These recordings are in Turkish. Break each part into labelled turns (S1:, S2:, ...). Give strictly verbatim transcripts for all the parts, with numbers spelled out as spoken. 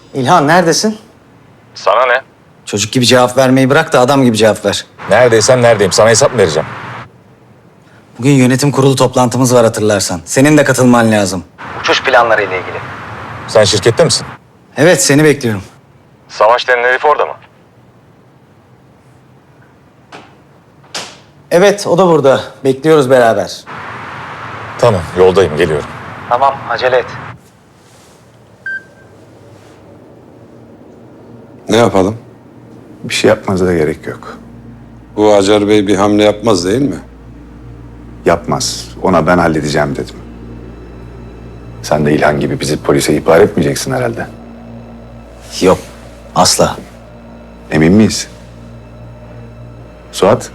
S1: İlhan neredesin?
S2: Sana ne?
S1: Çocuk gibi cevap vermeyi bırak da adam gibi cevap ver.
S2: Neredeysen neredeyim. Sana hesap mı vereceğim?
S1: Bugün yönetim kurulu toplantımız var hatırlarsan. Senin de katılman lazım. Uçuş planları ile ilgili.
S2: Sen şirkette misin?
S1: Evet seni bekliyorum.
S2: Savaş denen herif orada mı?
S1: Evet o da burada. Bekliyoruz beraber.
S2: Tamam, yoldayım, geliyorum.
S1: Tamam acele et.
S3: Ne yapalım?
S4: Bir şey yapmanıza gerek yok.
S3: Bu Acar Bey bir hamle yapmaz değil mi?
S4: Yapmaz. Ona ben halledeceğim dedim. Sen de İlhan gibi bizi polise ihbar etmeyeceksin herhalde.
S1: Yok asla.
S4: Emin miyiz? Suat?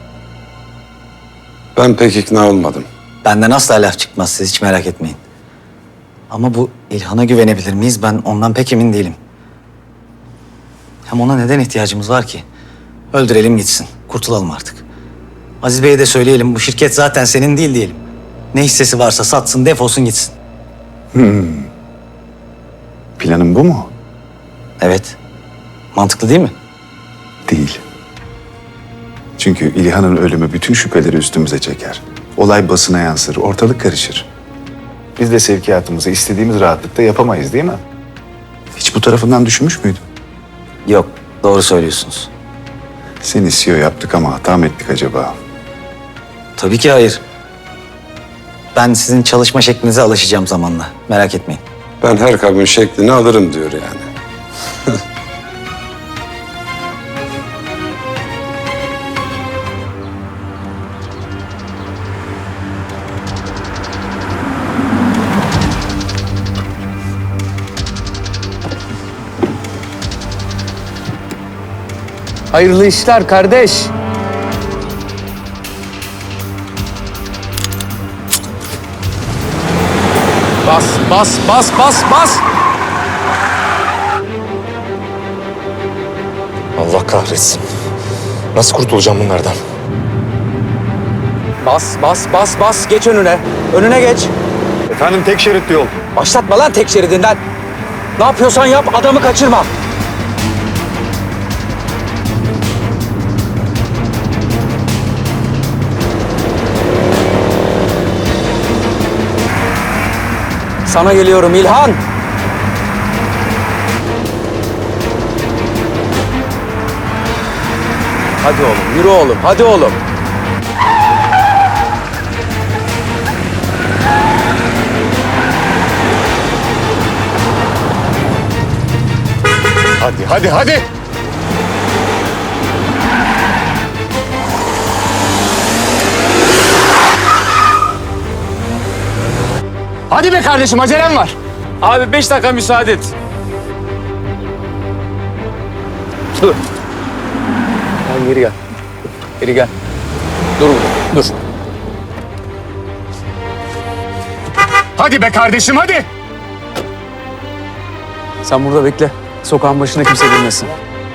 S3: Ben pek ikna olmadım.
S1: Benden asla laf çıkmaz siz hiç merak etmeyin. Ama bu İlhan'a güvenebilir miyiz? Ben ondan pek emin değilim. Hem ona neden ihtiyacımız var ki? Öldürelim gitsin. Kurtulalım artık. Aziz Bey'e de söyleyelim bu şirket zaten senin değil diyelim. Ne hissesi varsa satsın defolsun gitsin.
S4: Planın bu mu?
S1: Evet. Mantıklı değil mi?
S4: Değil. Çünkü İlhan'ın ölümü bütün şüpheleri üstümüze çeker. Olay basına yansır, ortalık karışır. Biz de sevkiyatımızı istediğimiz rahatlıkta yapamayız değil mi? Hiç bu tarafından düşünmüş müydün?
S1: Yok. Doğru söylüyorsunuz.
S4: Seni C E O yaptık ama hata mı ettik acaba?
S1: Tabii ki hayır. Ben sizin çalışma şeklinize alışacağım zamanla. Merak etmeyin.
S3: Ben her kabin şeklini alırım diyor yani.
S5: Hayırlı işler kardeş. Bas, bas, bas, bas, bas.
S2: Allah kahretsin. Nasıl kurtulacağım bunlardan?
S5: Bas, bas, bas, bas. Geç önüne. Önüne geç.
S4: Efendim tek şeritli yol.
S5: Başlatma lan tek şeridinden. Ne yapıyorsan yap, adamı kaçırma. Sana geliyorum İlhan. Hadi oğlum, yürü oğlum, hadi oğlum.
S2: Hadi, hadi, hadi!
S5: Hadi be kardeşim, acelem var. Abi beş dakika müsaade et. Dur. Sen geri gel. Geri gel. Dur burada, dur.
S2: Hadi be kardeşim, hadi!
S5: Sen burada bekle. Sokağın başına kimse girmesin.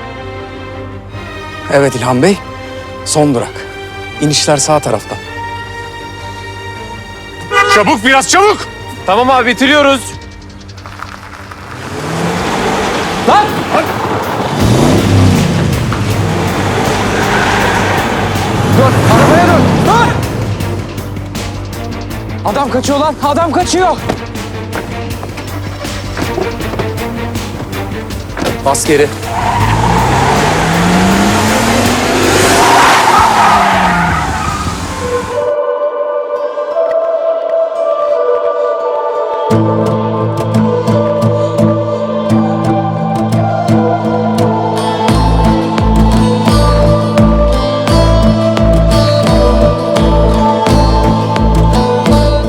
S5: Evet İlhan Bey, son durak. İnişler sağ tarafta.
S2: Çabuk, biraz çabuk!
S5: Tamam abi, bitiriyoruz. Lan! Dur, arabaya dur, dur! Adam kaçıyor lan, adam kaçıyor! Bas geri.